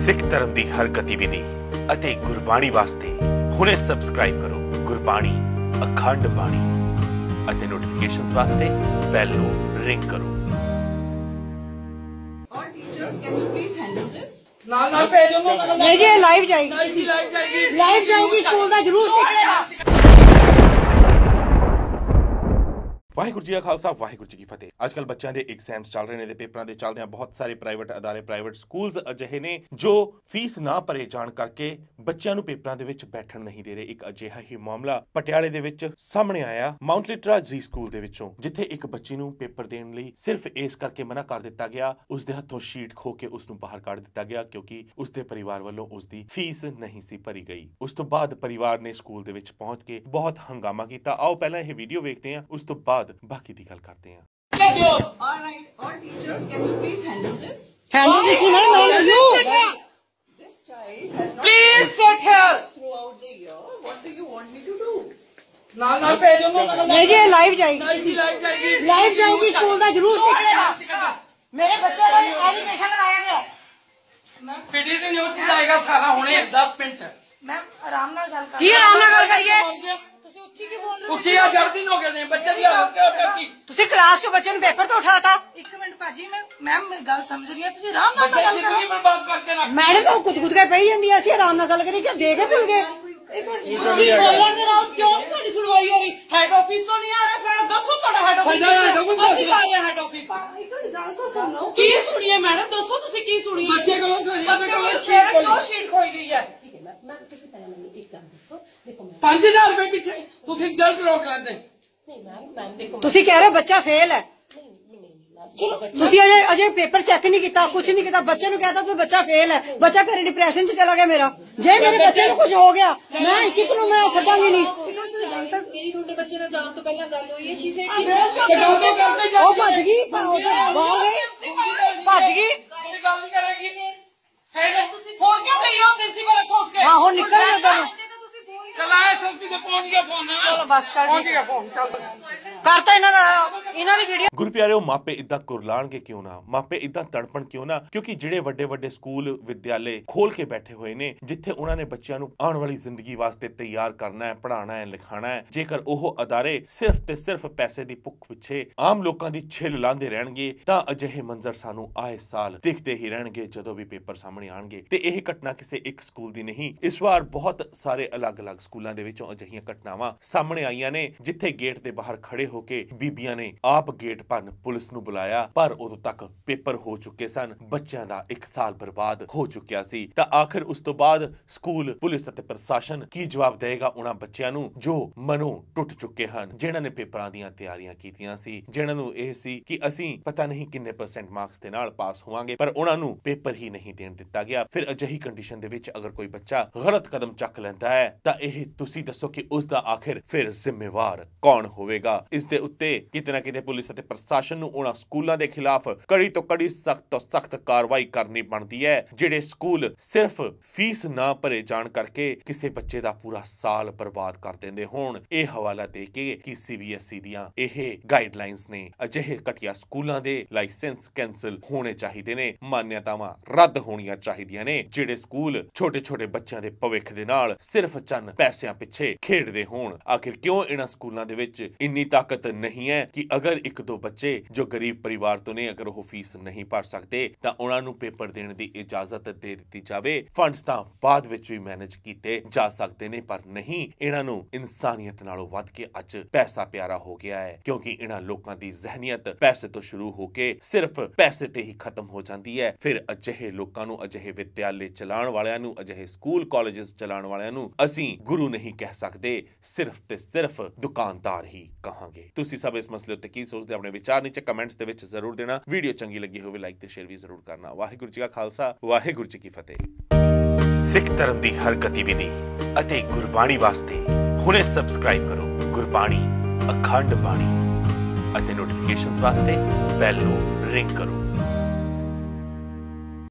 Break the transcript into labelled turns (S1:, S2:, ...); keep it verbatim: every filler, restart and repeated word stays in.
S1: सिख धर्म की हर गतिविधि ਅਤੇ ਗੁਰਬਾਣੀ ਵਾਸਤੇ ਹੁਣੇ ਸਬਸਕ੍ਰਾਈਬ ਕਰੋ ਗੁਰਬਾਣੀ ਅਖੰਡ ਬਾਣੀ ਅਤੇ ਨੋਟੀਫਿਕੇਸ਼ਨਸ ਵਾਸਤੇ ਬੈਲ ਨੂੰ ਰਿੰਗ ਕਰੋ।
S2: All teachers, can you please handle this?
S3: ਨਾਲ ਨਾਲ ਭੇਜੋ ਨਾ
S4: ਨਹੀਂ ਜੀ ਲਾਈਵ ਜਾਏਗੀ
S3: ਲਾਈਵ ਜਾਏਗੀ
S4: ਲਾਈਵ ਜਾਊਗੀ ਸਕੂਲ ਦਾ ਜ਼ਰੂਰ ਨਿਕਲੇਗਾ।
S1: ਵਾਹਿਗੁਰੂ ਜੀ ਕਾ ਖਾਲਸਾ ਵਾਹਿਗੁਰੂ ਜੀ ਕੀ ਫਤਿਹ। ਅੱਜ ਕੱਲ ਬੱਚਿਆਂ ਦੇ ਐਗਜ਼ਾਮਸ ਚੱਲ ਰਹੇ ਨੇ ਤੇ ਪੇਪਰਾਂ ਦੇ ਚੱਲਦੇ ਆ ਬਹੁਤ ਸਾਰੇ ਪ੍ਰਾਈਵੇਟ ਅਦਾਰੇ ਪ੍ਰਾਈਵੇਟ ਸਕੂਲਸ ਅਜਿਹੇ ਨੇ ਜੋ ਫੀਸ ਨਾ ਭਰੇ ਜਾਣ ਕਰਕੇ ਬੱਚਿਆਂ ਨੂੰ ਪੇਪਰਾਂ ਦੇ ਵਿੱਚ ਬੈਠਣ ਨਹੀਂ ਦੇ ਰਹੇ। ਇੱਕ ਅਜਿਹਾ ਹੀ ਮਾਮਲਾ ਪਟਿਆਲੇ ਦੇ ਵਿੱਚ ਸਾਹਮਣੇ ਆਇਆ ਮਾਊਂਟ ਲਿਟਰਾ ਜੀ ਸਕੂਲ ਦੇ ਵਿੱਚੋਂ, ਜਿੱਥੇ ਇੱਕ ਬੱਚੀ ਨੂੰ ਪੇਪਰ ਦੇਣ ਲਈ ਸਿਰਫ ਇਸ ਕਰਕੇ ਮਨਾ ਕਰ ਦਿੱਤਾ ਗਿਆ, ਉਸ ਦੇ ਹੱਥੋਂ ਸ਼ੀਟ ਖੋ ਕੇ ਉਸ ਨੂੰ ਬਾਹਰ ਕੱਢ ਦਿੱਤਾ ਗਿਆ ਕਿਉਂਕਿ ਉਸ ਦੇ ਪਰਿਵਾਰ ਵੱਲੋਂ ਉਸ ਦੀ ਫੀਸ ਨਹੀਂ ਸੀ ਭਰੀ ਗਈ। ਉਸ ਤੋਂ ਬਾਅਦ ਪਰਿਵਾਰ ਨੇ ਸਕੂਲ ਦੇ ਵਿੱਚ ਪਹੁੰਚ ਕੇ ਬਹੁਤ ਹੰਗਾਮਾ ਕੀਤਾ। ਆਓ ਪਹਿਲਾਂ ਇਹ ਵੀਡੀਓ ਵੇਖਦੇ ਹਾਂ, ਉਸ ਤੋਂ ਬਾਅਦ ਬਾਕੀ ਦੀ ਗੱਲ ਕਰਦੇ ਹਾਂ।
S2: All right, all teachers, can you please handle this?
S4: Handle ਦੀ ਕੀ ਨਹੀਂ ਮੈਂ you
S2: This child has not
S3: Please sit here.
S2: throughout the year. What do you want me to do?
S3: ਨਾਲ ਨਾਲ ਭੇਜੋ ਨਾ
S4: ਨਹੀਂ ਜੀ ਲਾਈਵ ਜਾਏਗੀ
S3: ਲਾਈਵ ਜਾਏਗੀ
S4: ਲਾਈਵ ਜਾਊਗੀ ਸਕੂਲ ਦਾ ਜ਼ਰੂਰ ਨਿਕਲੇਗਾ। ਮੇਰੇ ਬੱਚੇ ਦਾ ਐਲੀਗੇਸ਼ਨ ਲਗਾਇਆ ਗਿਆ।
S3: ਮੈਂ ਪੀਡੀਸੀ ਨਿਊਜ਼ ਚ ਜਾਏਗਾ ਸਾਰਾ ਹੁਣੇ ਦਸ ਮਿੰਟ ਚ।
S4: ਮੈਂ ਆਰਾਮ ਨਾਲ ਗੱਲ ਕਰ ਕੀ ਆਰਾਮ ਨਾਲ ਗੱਲ ਕਰੀਏ?
S3: ਤੁਸੀਂ ਉੱਚੀ ਕੀ ਬੋਲ ਰਹੇ ਹੋ? ਉੱਚੀ ਆ ਜਲਦੀ ਹੋ ਗਏ ਨੇ ਬੱਚੇ ਦੀ ਹਾਲਤ ਕਿਉਂ ਕਰਤੀ?
S4: ਤੁਸੀਂ ਕਲਾਸ 'ਚ ਬੱਚੇ ਨੂੰ ਪੇਪਰ ਤੋਂ ਉਠਾਤਾ।
S5: ਇੱਕ ਮਿੰਟ ਭਾਜੀ ਮੈਂ ਮੈਮ ਮੇਰੀ ਗੱਲ ਸਮਝ ਰਹੀ ਹੈ, ਤੁਸੀਂ ਆਰਾਮ ਨਾਲ
S3: ਬੱਚੇ
S5: ਗੱਲ
S3: ਦੀ
S5: ਕਰੋ।
S3: ਜ਼ਿੰਦਗੀ ਬਰਬਾਦ ਕਰਕੇ ਰੱਖ।
S4: ਮੈਡਮ ਤਾਂ ਕੁੱਦ ਕੁੱਦ ਕੇ ਪਈ ਜਾਂਦੀ ਆ, ਅਸੀਂ ਆਰਾਮ ਨਾਲ ਗੱਲ ਕਰੀ ਕਿ ਦੇ ਕੇ ਭੁੱਲ ਗਏ।
S2: ਤੁਸੀਂ ਬੋਲਣ ਦੇ ਨਾਲ ਕਿਉਂ ਨਹੀਂ ਸਾਡੀ ਸੁਣਵਾਈ ਹੋ ਰਹੀ? ਹੈਡ ਆਫਿਸ ਤੋਂ ਨਹੀਂ ਆ ਰਿਹਾ? ਫਿਰ ਦੱਸੋ ਤੁਹਾਡਾ ਹੈਡ ਆਫਿਸ
S3: ਸਾਡਾ head office
S2: ਅਸੀਂ ਆ ਰਹੇ ਹੈਡ ਆਫਿਸ।
S5: ਇੱਕ ਗੱਲ ਤਾਂ ਸੁਣ ਲਓ।
S2: ਕੀ ਸੁਣੀਏ ਮੈਡਮ, ਦੱਸੋ ਤੁਸੀਂ ਕੀ ਸੁਣੀਏ?
S3: ਬੱਚੇ ਕੋਲੋਂ ਸੁਣੀਏ,
S2: ਬੱਚੇ
S3: ਕੋਲੋਂ
S2: ਕੋਲ
S3: ਸ਼ੀਟ ਖੋਈ।
S2: ਕਿਉਂ ਸ਼ੀਟ ਖੋਈ ਗਈ ਹੈ?
S5: ਮੈਂ ਤੁਸੀਂ ਪਹਿਲਾਂ ਮੈਨੂੰ ਇੱਕ ਗੱਲ ਦੱਸੋ। ਦੇਖੋ ਮੈਂ
S3: ਪੰਜ ਹਜ਼ਾਰ ਰੁਪਏ ਪਿੱਛੇ ਤੁਸੀਂ ਰਿਜ਼ਲਟ ਰੋਕ ਲੈਂਦੇ।
S5: ਨਹੀਂ ਮੈਮ ਮੈਮ ਦੇਖੋ
S4: ਤੁਸੀਂ ਕਹਿ ਰਹੇ ਬੱਚਾ ਫੇਲ ਹੈ।
S5: ਨਹੀਂ ਨਹੀਂ ਮੈਮ ਚਲੋ
S4: ਤੁਸੀਂ ਅਜੇ ਅਜੇ ਪੇਪਰ ਚੈੱਕ ਨਹੀਂ ਕੀਤਾ, ਕੁਝ ਨਹੀਂ ਕੀਤਾ, ਬੱਚੇ ਨੂੰ ਕਹਿਤਾ ਤੂੰ ਬੱਚਾ ਫੇਲ ਹੈ, ਬੱਚਾ ਘਰੇ ਡਿਪਰੈਸ਼ਨ 'ਚ ਚਲਾ ਗਿਆ ਮੇਰਾ। ਜੇ ਮੇਰੇ ਬੱਚੇ ਨੂੰ ਕੁਝ ਹੋ ਗਿਆ ਮੈਂ ਇੱਕ ਇੱਕ ਨੂੰ ਮੈਂ ਛੱਡਾਂਗੀ ਨਹੀਂ।
S5: ਮੇਰੀ ਤੁਹਾਡੇ ਬੱਚੇ ਨਾਲ ਜਾਣ ਤੋਂ ਪਹਿਲਾਂ ਗੱਲ ਹੋਈ ਹੈ। ਸ਼ੀ ਸੈਡ
S3: ਤੇ ਗੱਲ ਤੇ ਕਰਦੇ ਜਾ
S4: ਉਹ ਭੱਜ ਗਈ ਬਾਹਰ ਗਈ ਭੱਜ ਗਈ।
S3: ਕੋਈ ਗੱਲ ਨਹੀਂ ਕਰੇਗੀ ਫਿਰ
S2: ਹੋਰ ਕਿਉਂ ਗਈ ਹੋ ਪ੍ਰਿੰਸੀਪਲ ਇੱਥੋਂ ਉੱਠ ਕੇ?
S4: ਹਾਂ ਹੁਣ ਨਿਕਲ ਗਈ ਉਧਰ ਨੂੰ।
S3: ਚਲਾ ਐਸਐਸਪੀ ਤੇ ਪਹੁੰਚ ਗਿਆ ਫੋਨ।
S4: ਚਲੋ ਬਸ ਚੱਲ
S3: ਪਹੁੰਚ
S4: ਠੀਕ
S3: ਗਿਆ ਫੋਨ ਚੱਲ।
S4: ਕਰਤਾ ਇਹਨਾਂ ਦਾ ਇਹਨਾਂ ਦੀ ਵੀਡੀਓ।
S1: ਗੁਰੂ ਪਿਆਰਿਓ, ਮਾਪੇ ਇਦਾਂ ਕੁਰਲਾਣਗੇ ਕਿਉਂ ਨਾ, ਮਾਪੇ ਇਦਾਂ ਤੜਪਣ ਕਿਉਂ ਨਾ, ਕਿਉਂਕਿ ਜਿਹੜੇ ਵੱਡੇ ਵੱਡੇ ਸਕੂਲ ਵਿਦਿਆਲੇ ਖੋਲ ਕੇ ਬੈਠੇ ਹੋਏ ਨੇ ਜਿੱਥੇ ਉਹਨਾਂ ਨੇ ਬੱਚਿਆਂ ਨੂੰ ਆਉਣ ਵਾਲੀ ਜ਼ਿੰਦਗੀ ਵਾਸਤੇ ਤਿਆਰ ਕਰਨਾ ਹੈ, ਪੜ੍ਹਾਉਣਾ ਹੈ, ਲਿਖਾਉਣਾ ਹੈ, ਜੇਕਰ ਉਹ ਅਦਾਰੇ ਸਿਰਫ ਤੇ ਸਿਰਫ ਪੈਸੇ ਦੀ ਭੁੱਖ ਪਿੱਛੇ ਆਮ ਲੋਕਾਂ ਦੀ ਛਿੱਲ ਲਾਉਂਦੇ ਰਹਿਣਗੇ ਤਾਂ ਅਜਿਹੇ ਮੰਜ਼ਰ ਸਾਨੂੰ ਆਏ ਸਾਲ ਦਿਖਦੇ ਹੀ ਰਹਿਣਗੇ ਜਦੋਂ ਵੀ ਪੇਪਰ ਸਾਹਮਣੇ ਆਣਗੇ। ਤੇ ਇਹ ਘਟਨਾ ਕਿਸੇ ਇੱਕ ਸਕੂਲ ਦੀ ਨਹੀਂ, ਇਸ ਵਾਰ ਬਹੁਤ ਸਾਰੇ ਅਲੱਗ-ਅਲੱਗ ਸਕੂਲਾਂ ਦੇ ਵਿੱਚੋਂ ਅਜਿਹੀਆਂ ਘਟਨਾਵਾਂ ਸਾਹਮਣੇ ਆਈਆਂ ਨੇ ਜਿੱਥੇ ਗੇਟ ਦੇ ਬਾਹਰ ਖੜੇ ਹੋ ਕੇ ਬੀਬੀਆਂ ਨੇ ਆਪ ਗੇਟ ਭੰਨ ਪੁਲਿਸ ਨੂੰ ਬੁਲਾਇਆ, ਪਰ ਉਦੋਂ ਤੱਕ ਪੇਪਰ ਹੋ ਚੁੱਕੇ ਸਨ, ਬੱਚਿਆਂ ਦਾ ਇੱਕ ਸਾਲ ਬਰਬਾਦ ਹੋ ਚੁੱਕਿਆ ਸੀ। ਤਾਂ ਆਖਿਰ ਉਸ ਤੋਂ ਬਾਅਦ ਸਕੂਲ, ਪੁਲਿਸ ਅਤੇ ਪ੍ਰਸ਼ਾਸਨ ਕੀ ਜਵਾਬ ਦੇਵੇਗਾ ਉਹਨਾਂ ਬੱਚਿਆਂ ਨੂੰ ਜੋ ਮਨੋਂ ਟੁੱਟ ਚੁੱਕੇ ਹਨ, ਜਿਨ੍ਹਾਂ ਨੇ ਪੇਪਰਾਂ ਦੀਆਂ ਤਿਆਰੀਆਂ ਕੀਤੀਆਂ ਸੀ, ਜਿਨ੍ਹਾਂ ਨੂੰ ਇਹ ਸੀ ਕਿ ਅਸੀਂ ਪਤਾ ਨਹੀਂ ਕਿੰਨੇ ਪਰਸੈਂਟ ਮਾਰਕਸ ਦੇ ਨਾਲ ਪਾਸ ਹੋਵਾਂਗੇ, ਪਰ ਉਹਨਾਂ ਨੂੰ ਪੇਪਰ ਹੀ ਨਹੀਂ ਦੇਣ ਦਿੱਤਾ ਗਿਆ। ਫਿਰ ਅਜਿਹੀ ਕੰਡੀਸ਼ਨ ਦੇ ਵਿੱਚ ਅਗਰ ਕੋਈ ਬੱਚਾ ਗਲਤ ਕਦਮ ਚੱਕ ਲੈਂਦਾ ਹੈ ਤਾਂ ਇਹ ਤੁਸੀਂ ਦੱਸੋ ਕਿ ਉਸ ਦਾ ਆਖਿਰ ਫਿਰ ਜ਼ਿੰਮੇਵਾਰ ਕੌਣ ਹੋਵੇਗਾ? ਇਸ ਦੇ ਉੱਤੇ ਕਿਤੇ ਨਾ ਕਿਤੇ ਪੁਲਿਸ ਅਤੇ ਪ੍ਰਸ਼ਾਸਨ ਨੂੰ ਉਹਨਾਂ ਸਕੂਲਾਂ ਦੇ ਖਿਲਾਫ ਕੜੀ ਤੋਂ ਕੜੀ ਸਖਤ ਤੋਂ ਸਖਤ ਕਾਰਵਾਈ ਕਰਨੀ ਬਣਦੀ ਹੈ ਜਿਹੜੇ ਸਕੂਲ ਸਿਰਫ ਫੀਸ ਨਾ ਭਰੇ ਜਾਣ ਕਰਕੇ ਕਿਸੇ ਬੱਚੇ ਦਾ ਪੂਰਾ ਸਾਲ ਬਰਬਾਦ ਕਰ ਦਿੰਦੇ ਹੋਣ। ਇਹ ਹਵਾਲਾ ਦੇ ਕੇ ਕਿ ਸੀਬੀਐਸਈ ਦੀਆਂ ਇਹ ਗਾਈਡਲਾਈਨਸ ਨੇ, ਅਜਿਹੇ ਘਟੀਆ ਸਕੂਲਾਂ ਦੇ ਲਾਇਸੈਂਸ ਕੈਂਸਲ ਹੋਣੇ ਚਾਹੀਦੇ ਨੇ, ਮਾਨਿਅਤਾਵਾਂ ਰੱਦ ਹੋਣੀਆਂ ਚਾਹੀਦੀਆਂ ਨੇ। ਜਿਹੜੇ ਸਕੂਲ ਛੋਟੇ ਛੋਟੇ ਬੱਚਿਆਂ ਦੇ ਭਵਿੱਖ ਦੇ ਨਾਲ ਸਿਰਫ ਚੰਨ ਪੈਸਿਆਂ ਪਿੱਛੇ ਖੇਡਦੇ ਹੋਣ। ਆਖਿਰ ਕਿਉਂ ਇਹਨਾਂ ਸਕੂਲਾਂ ਦੇ ਵਿੱਚ ਇੰਨੀ ਤਾਕਤ ਨਹੀਂ ਹੈ ਕਿ ਅਗਰ ਇੱਕ ਦੋ ਬੱਚੇ ਜੋ ਗਰੀਬ ਪਰਿਵਾਰ ਤੋਂ ਨੇ, ਅਗਰ ਉਹ ਫੀਸ ਨਹੀਂ ਭਰ ਸਕਦੇ ਤਾਂ ਉਹਨਾਂ ਨੂੰ ਪੇਪਰ ਦੇਣ ਦੀ ਇਜਾਜ਼ਤ ਦੇ ਦਿੱਤੀ ਜਾਵੇ। ਫੰਡਸ ਤਾਂ ਬਾਅਦ ਵਿੱਚ ਵੀ ਮੈਨੇਜ ਕੀਤੇ ਜਾ ਸਕਦੇ ਨੇ, ਪਰ ਨਹੀਂ, ਇਹਨਾਂ ਨੂੰ ਇਨਸਾਨੀਅਤ ਨਾਲੋਂ ਵੱਧ ਕੇ ਅੱਜ ਪੈਸਾ ਪਿਆਰਾ ਹੋ ਗਿਆ ਹੈ ਕਿਉਂਕਿ ਇਹਨਾਂ ਲੋਕਾਂ ਦੀ ਜ਼ਹਿਨੀਅਤ ਪੈਸੇ ਤੋਂ ਸ਼ੁਰੂ ਹੋ ਕੇ ਸਿਰਫ ਪੈਸੇ ਤੇ ਹੀ ਖਤਮ ਹੋ ਜਾਂਦੀ ਹੈ। ਫਿਰ ਅਜਿਹੇ ਲੋਕਾਂ ਨੂੰ, ਅਜਿਹੇ ਵਿਦਿਆਲੇ ਚਲਾਉਣ ਵਾਲਿਆਂ ਨੂੰ, ਅਜਿਹੇ ਸਕੂਲ ਕਾਲਜਸ ਚਲਾਉਣ ਵਾਲਿਆਂ ਨੂੰ ਅਸੀਂ ਗੁਰੂ ਨਹੀਂ ਕਹਿ ਸਕਦੇ, ਸਿਰਫ ਤੇ ਸਿਰਫ ਦੁਕਾਨਦਾਰ ਹੀ ਕਹਾਂਗੇ। ਤੁਸੀਂ ਸਭ ਇਸ ਮਸਲੇ ਉੱਤੇ ਕੀ ਸੋਚਦੇ? ਆਪਣੇ ਵਿਚਾਰ ਨੀਚੇ ਕਮੈਂਟਸ ਦੇ ਵਿੱਚ ਜ਼ਰੂਰ ਦੇਣਾ। ਵੀਡੀਓ ਚੰਗੀ ਲੱਗੀ ਹੋਵੇ ਲਾਈਕ ਤੇ ਸ਼ੇਅਰ ਵੀ ਜ਼ਰੂਰ ਕਰਨਾ। ਵਾਹਿਗੁਰੂ ਜੀ ਕਾ ਖਾਲਸਾ ਵਾਹਿਗੁਰੂ ਜੀ ਕੀ ਫਤਿਹ। ਸਿੱਖ ਧਰਮ ਦੀ ਹਰ ਗਤੀਵਿਧੀ ਅਤੇ ਗੁਰਬਾਣੀ ਵਾਸਤੇ ਹੁਣੇ ਸਬਸਕ੍ਰਾਈਬ ਕਰੋ ਗੁਰਬਾਣੀ ਅਖੰਡ ਬਾਣੀ ਅਤੇ ਨੋਟੀਫਿਕੇਸ਼ਨਸ ਵਾਸਤੇ ਬੈਲ ਨੂੰ ਰਿੰਗ ਕਰੋ।